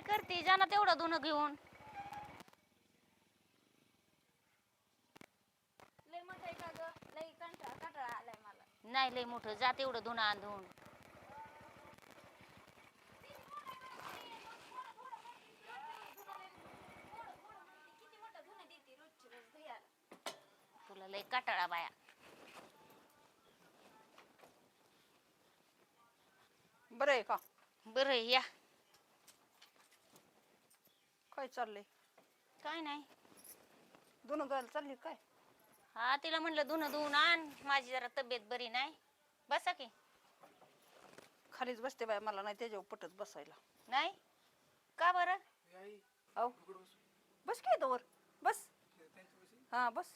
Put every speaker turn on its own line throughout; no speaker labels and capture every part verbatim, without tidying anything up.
करते जाना तेवढं धुणं घेऊन.
लय मोठं आहे का ग? लय कंटाळा कंटाळा आलाय मला.
नाही लय मोठं जा तेवढं धुणं आणून.
किती मोठं धुणं देते रोजची रोज भैयाला.
तुला लय काटाळा बाया.
बरं आहे का?
बरं आहे, या.
काय चाललंय?
काय नाही.
धुणं धुवायला चालली काय?
हा तिला म्हणलं धुणं धुवून आण, माझी जरा तब्येत बरी नाही. बसा की.
खालीच बसते बाय, मला नाही त्याच्यावर पटत बसायला.
नाही का बरं?
औ बस काय वर बस. हा बस.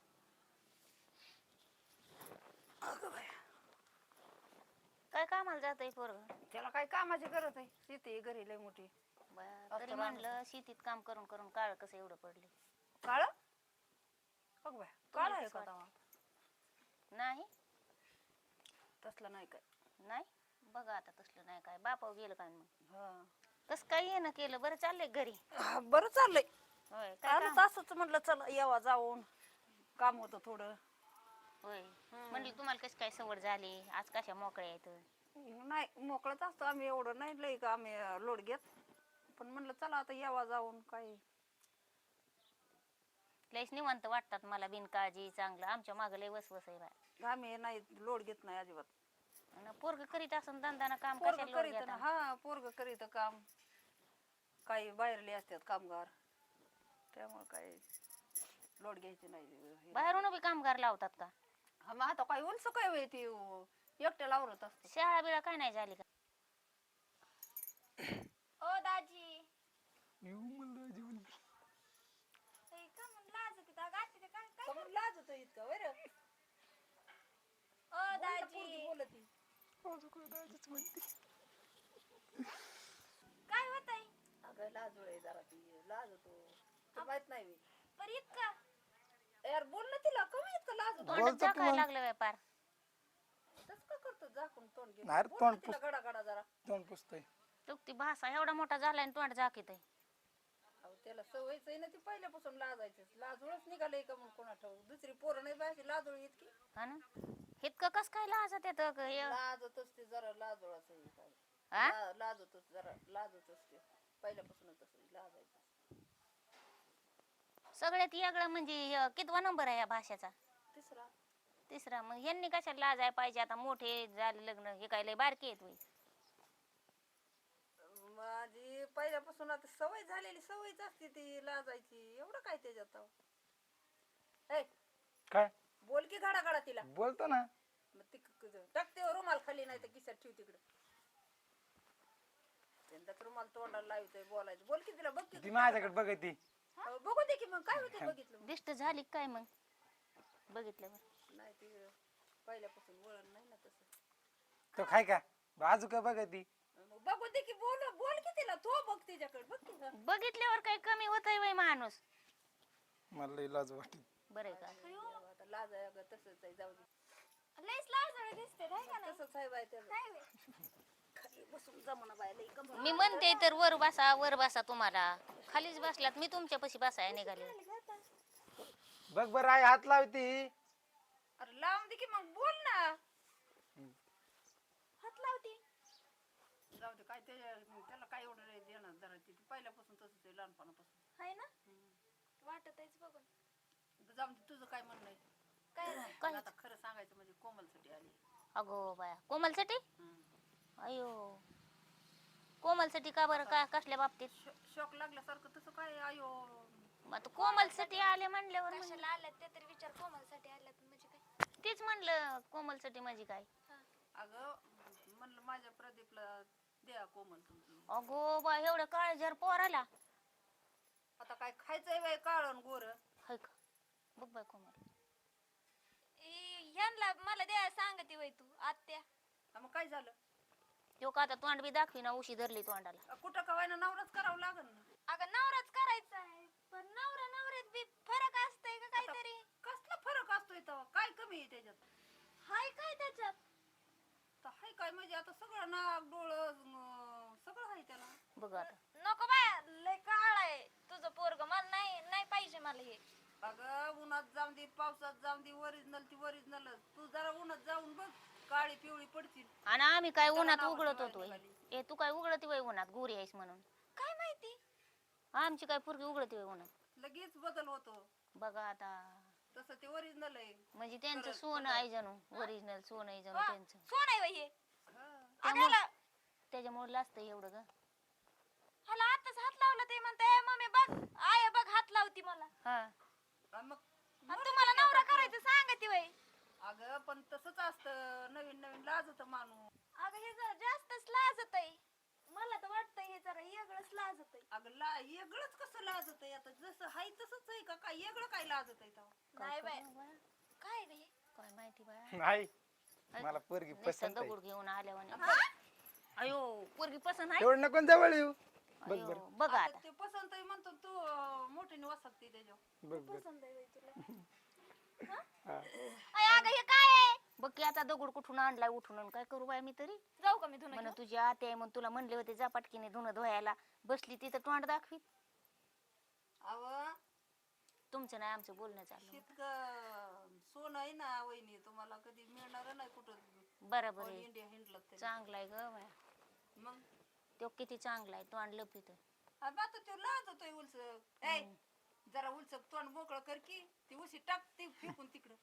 अगं बाया,
काय कामाला जातंय पोरग?
त्याला काय कामाची गरज आहे? शेती आहे घरी लय मोठी.
बरं, तरी म्हणलं शेतीत काम करून करून काळ कसं एवढं पडले.
काळ? अगं बाया, काळ आहे का तवा?
नाही
तसलं नाही काय.
नाही बघा आता तसलं नाही काय. बापाव गेलं काय मग?
हा
तसं काही येणं केलं. बरं चाललंय घरी?
हा, बरं चाललंय.
होय काय
आलं
काम?
असंच म्हटलं चला यावा जाऊन, काम होतं थोडं.
होय म्हणलं तुम्हाला कशी काय सवड झाली आज, कशा मोकळ्या आहेत?
नाही मोकळच असतो आम्ही, एवढं नाही लई का आम्ही लोड घेत. पण म्हणलं चला आता यावा जाऊन. काय
लयच निवांत वाटतात मला बिनकाळजी चांगलं. आमच्या मागं लय वसवस आहे बाय.
आम्ही नाही लोड घेत नाही अजिबात.
पोरग करीत असं धंदा काम
पोरग
कशाला लोड
करीत ना.
घेता?
हा पोरग करीत काम. काही बाहेरले असतात कामगार, त्यामुळे काही लोड घ्यायची नाही.
बाहेरून बी कामगार लावतात का?
हा मग आता काही उलस काय होय ती एकट्या लावरत असत.
शाळा बिळा काय नाही झाली का?
ओ दाजी.
येऊ म्हणलं जेवण.
ए, का म्हणून लाजते त्या गाठी ते काय काय?
समोर लाज होतं इतकं वर.
ओ दाजी.
बोलती
माझं काय दाजीच म्हणते.
काय होतंय?
अगं लाज आहे जरा, ती लाज होतो. तुला माहित नाही मी.
पर इतका
यार बोल ना तिला, कमी इतकं लाज होतो.
तोंडात झाकायला लागलं व्यापार.
तसं का करतो झाकून तोंड घेऊन?
नाही रे,
बोल
तोंड
ना तिला गडा गडा जरा.
तोंड पुसतय.
तो ती भाषा एवढा मोठा झालाय आणि तोंड झाकीत आहे.
अहो त्याला सवयच आहे ना ती पहिल्यापासून लाजायचं. लाजूळच निघालंय का मग कोणा ठाऊ. दुसरी पोरं नाही बायची लाजूळ इतकी.
हा ना, इतकं कस काय लाजत येत?
लाजतच ते जरा लाजूळच आहे काय. ला- लाजतच जरा लाजतच ते पहिल्यापासूनच तसं लाजायचं.
सगळ्यात वेगळं म्हणजे हे कितवा नंबर आहे या भाषेचा?
तिसरा.
तिसरा. मग ह्यांनी कशाला लाजाय पाहिजे? आता मोठे झाले लग्न, हे काय लय बारकी आहेत होय?
माझी पहिल्यापासून आता सवय झालेली सवयच असते ती लाजायची. एवढं काय त्याच्यात? ए
काय
बोल की घडा घडा तिला.
बोलतो ना.
मग ती टाकते रुमाल खाली, नाही तर किशात ठेव तिकडं. त्यांचा रुमाल तोंडाला लावतोय बोलायचं. बोल की तिला, बघ की
ती माझ्याकडे बघत ती.
अहो, बघू दे की मग काय होते बघितलं.
दिष्ट झाली काय मग बघितल्यावर?
नाही ती पहिल्यापासून वळण नाही ना तसं.
तो खाय का बाजू का बघत ती.
मग बघू दे की, बोल बोल की तिला. तो बघ तिच्याकडे, बघ की.
बघितल्यावर काही कमी होतंय वय माणूस?
मला लई लाज वाटते.
बरं का?
आता लाज आहे अगं, तसंच आहे. जाऊ दे.
लयच लाजळ दिसते नाही का? नाही
तसंच आहे बाय त्याचं.
काय वे?
खाली बसून जमना बाय लई कम.
मी म्हणते तर वर बसा, वर बसा. तुम्हाला खालीच बसलात, मी तुमच्यापाशी बसाय निघाले.
बघ बरं आई हात लावती.
अरे लावून दे की मग, बोल ना.
हात लावती.
जाऊ दे, काय त्याच्या त्याला काय एवढं नाही देणार जरा. ती पहिल्यापासून तसंच आहे लहानपणापासून.
हाय ना? वाटत आहेच बघून.
जाऊ दे, तुझं काय म्हणणं आहे?
काय
काय?
आता खरं सांगायचं म्हणजे कोमलसाठी आली.
अगो बाया, कोमलसाठी? अयो, कोमलसाठी का बरं? का कसल्या बाबतीत?
शॉक लागल्यासारखं तसं काय? आयो
मग आता कोमलसाठी आले म्हणल्यावर मग
कशाला आल्यात ते तरी विचार. कोमलसाठी आल्यात म्हणजे काय?
तेच म्हणलं कोमलसाठी म्हणजे काय?
अगं म्हणलं माझ्या प्रदीपला द्या कोमल तुमची.
अगो बा, एवढं काळजार पोर आला.
आता काय खायचंय बाय काळण गोर.
हाय का? बघ बाय कोमल.
ए, ह्यांना मला द्या सांगते वय तू आत्या.
हा, मग काय झालं?
तो का आता तोंड बी दाखवी ना, उशी धरली तोंडाला.
अ, कुठं कवायना नवराच करावं लागल ना.
अगं नवराच करायचा आहे, पण नवरा नवऱ्यात बी फरक असतंय का काहीतरी?
कसला फरक असतोय तेव्हा? काय कमी आहे त्याच्यात?
हाय काय त्याच्यात?
तर हाय काय म्हणजे आता सगळं नाक डोळं अं, सगळं आहे त्याला.
बघ आता.
नको बाया,
आणि आम्ही काय
त्याला
उन्हात
नावं
उघडत
ठेवायला
होतो
निघाली.
ए तू काय उघडती वय उन्हात गोरी आहेस म्हणून
काय माहिती
आमची काय पोरगी उघडती वय उन्हात
लगेच बदल होतो
बघा आता
तसं ते ओरिजिनल आहे.
म्हणजे त्यांचं
खरंच,
सोनं
खरंच.
आहे जणू ओरिजिनल सोनं आहे जणू
वा,
त्यांचं
सोन आहे बाई हे
हा.
त्यामुळं
अगं
त्याच्यामुळे लाजतं एवढं ग
ह्याला आताच हात लावला ते म्हणते "ए, मम्मी बघ आय बघ हात लावती मला
हा
आणि मग
आणि तुम्हाला नवरा करायचं सांगा ती बाई
अगं पण तसंच असतं नवीन नवीन लाजत माणूस.
अगं हे जरा जास्तच लाजत आहे मला तर वाटतंय हे जरा वेगळंच लाजत आहे
अगं ला वेगळंच कसं लाजत आहे आता जसं हाय तसंच आहे का काय वेगळं काय लाजत आहे तेव्हा.
नाही बाई
करावं बाया?
काय रे
काय माहिती बाया
नाही मला पोरगी
नुसतं
पसंत आहे
दगड घेऊन आल्यावाने अयो पोरगी पसंत आहे
एवढं नको जवळ येऊ बघ
अयो,
बरं
बघा
आता
आता
ते पसंत आहे म्हणतो तू अं, मोठीने वसकते त्याच्यावर.
बघ बघ
पसंत आहे बाई तुला
हा.
अय अगं हे काय आहे
बघ की आता दगड कुठून आणलाय उठून आणि काय करू बाय मी तरी
जाऊ का मी धुणं
म्हण
घेऊन?
तुझी आते आहे म्हणून तुला म्हणले होते जा पटकीने धुणं धुवायला बसली तिथं तोंड दाखवी
अव
तुमचं नाही आमचं बोलणं चाललं
इतकं सोनं आहे ना वहिनी तुम्हाला कधी मिळणार नाही कुठं
बरोबर
ऑल
आहे
इंडिया हिंडलं तरी.
चांगला आहे ग बाया
मग
तो किती चांगला आहे तोंड लपित
अगं आता तो लाजतोय उलसक ए जरा उलसक तोंड मोकळं कर की ती उशी टाक ती फेकून तिकडं.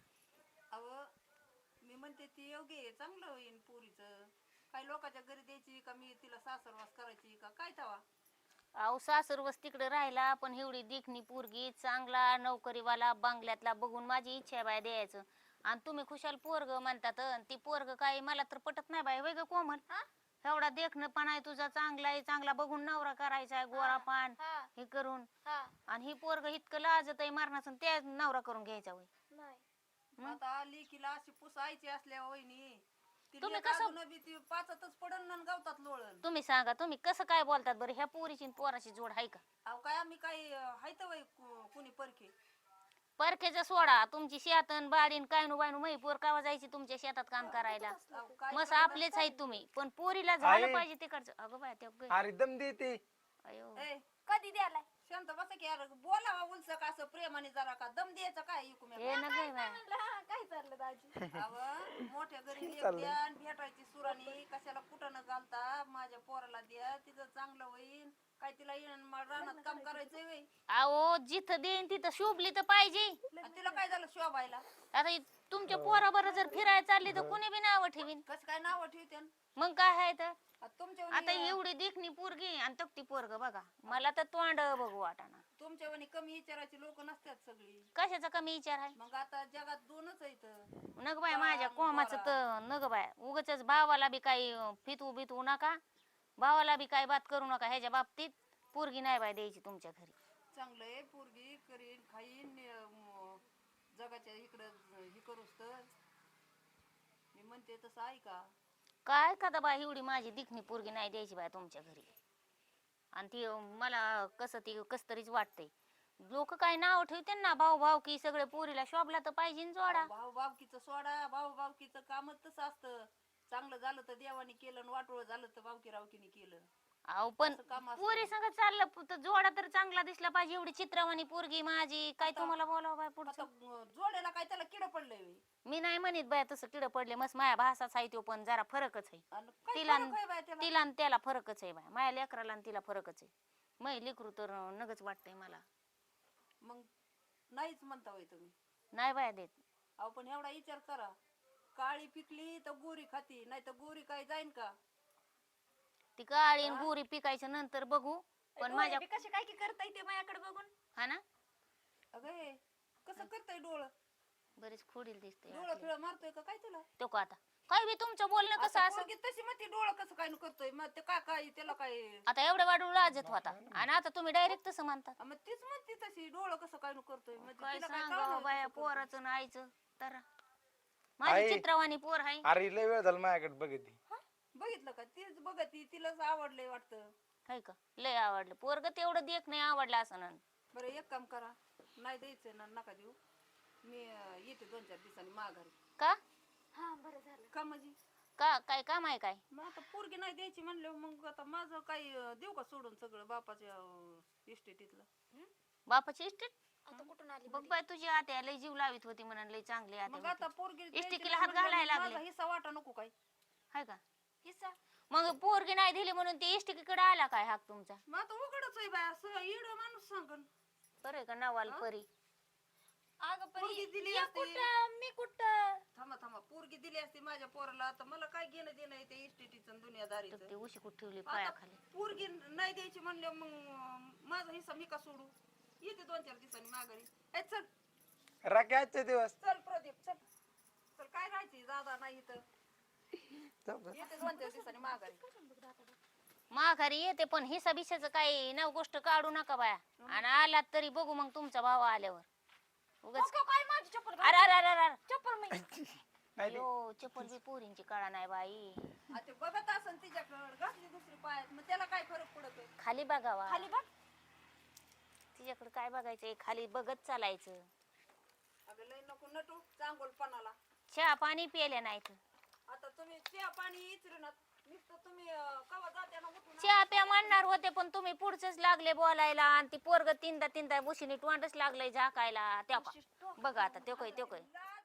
अव मी म्हणते ती योग्य आहे चांगलं होईन पोरीचं काय लोकांच्या घरी द्यायची का मी तिला सासरवास करायची का काय तवा.
अहो सासरवस तिकडे राहिला पण एवढी देखणी पोरगी चांगला नोकरीवाला बंगल्यातला बघून माझी इच्छा आहे बाय द्यायचं आणि तुम्ही खुशाल पोरग म्हणतात अन ती पोरग काय मला तर पटत नाही बाय वय ग कोमल
हा?
एवढा देखणं पण आहे तुझा चांगला आहे चांगला बघून नवरा करायचा आहे गोरा पान
हा
हे करून
हा
आणि ही पोरग इतकं लाजत आहे मारण्याचं त्या नवरा करून घ्यायचा वय
नाही
आता लेकीला अशी पुसायची असल्या वहिनी ती
तुम्ही
लेक
कसं-
अजून बी ती पाचातच पडन आणि गावतात लोळण.
तुम्ही सांगा तुम्ही कसं काय बोलतात बरं ह्या पोरीची आणि पोराची जोड आहे का
अहो काय आम्ही काय हायत वय कुणी परखे
परखेचा सोडा तुमची शेतन बाडीन काय नु बायनू मही पोर कावा जायची तुमच्या शेतात काम करायला
अहो काय
मस्त
करणार?
आपलेच आहेत तुम्ही पण पोरीला झालं
आहे.
पाहिजे तिकडचं अगं बाय ते ग-
अरे दम देते
अयो
ए,
कधी द्यालाय
शांत बसा की यार बोलावा उलसक असं प्रेमाने जरा का दम द्यायचा काय इकुम्या
हे न गे बाय
म्हणलं हा काय चाललं दाजी
अव मोठ्या घरी लेक
चाललंय.
द्या आणि भेटायची सुरानी कशाला कुठं न घालता माझ्या पोराला द्या तिचं चांगलं होईन काय तिला येणं मा- रानात काम करायचंय वय
अहो जिथं देईन तिथं शोभली तर पाहिजे
आणि तिला काय झालं शोभायला
आता इ- तुमच्या पोराबरोबर जर फिरायला चालली तर कोणी बी नाव ठेवीन
कसं काय नाव ठेवते
मग काय आहे तर
तुमच्या
आता एवढी देखणी पोरगी आणि तपती पोरग बघा मला तर तोंड बघू वाटाना
तुमच्या वणी कमी विचाराची लोक नसतात सगळी
कशाचा कमी विचार आहे
मग आता जगात दोनच आहेत
नग बाय माझ्या कोमाचं तर नग बाय उगाच भावाला बी काही फितवू बितवू नका भावाला बी काही बात करू नका ह्याच्या बाबतीत पोरगी नाही बाय द्यायची तुमच्या घरी
चांगलं आहे पोरगी करीन खाईन अं, जगाच्या इकडं हे करूस तर मी म्हणते तसं ऐका
काय का बाय एवढी माझी दिखणी पोरगी नाही द्यायची बाय तुमच्या घरी आणि ती अं, मला कसं ती कस तरीच वाटतंय लोक काय नाव ठेवते ना भाऊ भाऊ की सगळे पोरीला शोभला तर पाहिजे न जोडा
भाऊ भावकीचं सोडा भाऊ भावकीचं कामच तसं असतं चांगलं झालं तर देवाने केलं आणि वाटोळ झालं तर भावकी रावकीने केलं
अहो पण
असं काम असतं.
पोरी संग चाललं प- तर जोडा तर चांगला दिसला पाहिजे एवढी चित्रवाणी पोरगी माझी काय तुम्हाला बोलावं बाय
आता
पुढचं
अं, जोड्याला काय त्याला किड पडलंय व्हय.
मी नाही म्हणत बाय तसं किड पडले मस्त माया भासाच आहे तो पण जरा फरकच आहे
आणि काय
तिला
फरक आहे बाय त्याला?
तिला आणि त्याला फरकच आहे बाय माया लेकराला आणि तिला फरकच आहे मै लेकरू तर नगच वाटतंय मला
मग नाहीच म्हणता होय तुम्ही
नाही बाय देत
अहो पण एवढा विचार करा काळी पिकली तर गोरी खाती नाही तर गोरी काय जाईन का
ती काळी आणि गोरी पिकायच्या नंतर बघू पण माझ्या
डोळे बी कसे काय की करता येते माझ्याकडे बघून
हा ना
अगं हे, कसं करताय डोळं
बरीच खोडील दिसते
डोळं फिळ मारतोय का काय तुला
तो का आता काय बी तुमचं बोलणं कसं
आता
असं
पोरगी तशी म्हणते डोळं कसं काय न करतोय मग ते काय काय त्याला काय
आता एवढं वाढून लाजत होता आणि आता तुम्ही डायरेक्ट तसं म्हणता
आ, मग तीच म्हणते तशी डोळं कसं काय न करतोय म्हणजे
काय
तिला काय
सांगावं
कळलं
बाया
कसं करतोय?
पोराचं आणि आईचं तर माझी
आई.
चित्रवाणी पोर आहे
अरे लय वेळ झाला माझ्याकडे बघती
हा? बघितलं का तीच बघती तिलाच आवडलंय वाटतं
हाय का लय आवडलं पोरग तेवढं देख नाही आवडलं असं ना
बरं एक काम करा नाही द्यायचं ना नका देऊ मी अं, येते दोन चार दिवसांनी माघारी
का
हा बरं झालं
का म्हणजे
का काय काम आहे काय
मग आता पोरगी नाही द्यायची म्हणलं मग आता माझं काही अं, देऊ का सोडून सगळं बापाच्या इस्टेटीतलं
बापाची इस्टेट
आता कुठून आली
बघ बाय तुझी आत्या लय जीव लावित होती म्हणून लय चांगली
मग
आत्या
आता
होती.
पोरगी
इस्टेटीला
द्यायची
हात
म्हणलं
घालायला
मग
लागले.
माझा हिस्सा वाटा नको काय
हाय का
हिस्सा
मग पोरगी नाही दिली म्हणून ती इष्टिकीकडे आला काय हाक तुमचा
मग आता उघडच आहे बाय असं इड माणूस सांगन
बरं आहे का नवाल परी
अगं पण
पोरगी
ही-
दिली
ही
असती.
कुठं मी कुठं
थांबा थांबा पोरगी दिली असती माझ्या पोराला तर मला काय घेणं देणं आहे ते इस्टेटीचं
तर
दुनियादारीचं
ती उशी कुठे ठेवली
आता
पायाखाली
पोरगी नाही द्यायची म्हणले मग अं, माझा हिस्सा मी का सोडू येते दोन चार दिवसांनी माघारी ए चल
राखे आजचे दिवस
चल प्रदीप चल चल काय राहायची दादा नाही तर
चल बरं.
येते दोन चार दिवसांनी माघारी
माघारी येते पण हिसा बिशाचं काही नव गोष्ट काढू नका बाया आणि आलात तरी बघू मग तुमचा भाव आल्यावर उगाच
नको काय माझी चप्पल घाल.
अरे अरे अरे अरे
चप्पल मी
नाही ते-
अयो चप्पल बी पोरींची काळा नाही बाई
आ ते बघत असन तिच्याकडं घातली दुसरी पायात मग त्याला काय फरक पडतोय
खाली बघावा
खाली बघ
तिच्याकडे काय बघायचंय खाली बघत चालायचं
अगं लय नको नटू चांगोलपणाला
चहा पाणी प्यायला नाही तर
आता तुम्ही चहा पाणी इचरू ना नुसतं तुम्ही अं, कवा जात्याना उठून
चहा प्या म्हणणार होते पण तुम्ही पुढचंच लागले बोलायला आणि ती पोरग तीनदा तीनदा बुशीने टोंडच लागलंय झाकायला त्या बघा आता त्यो काय त्यो काय
लाज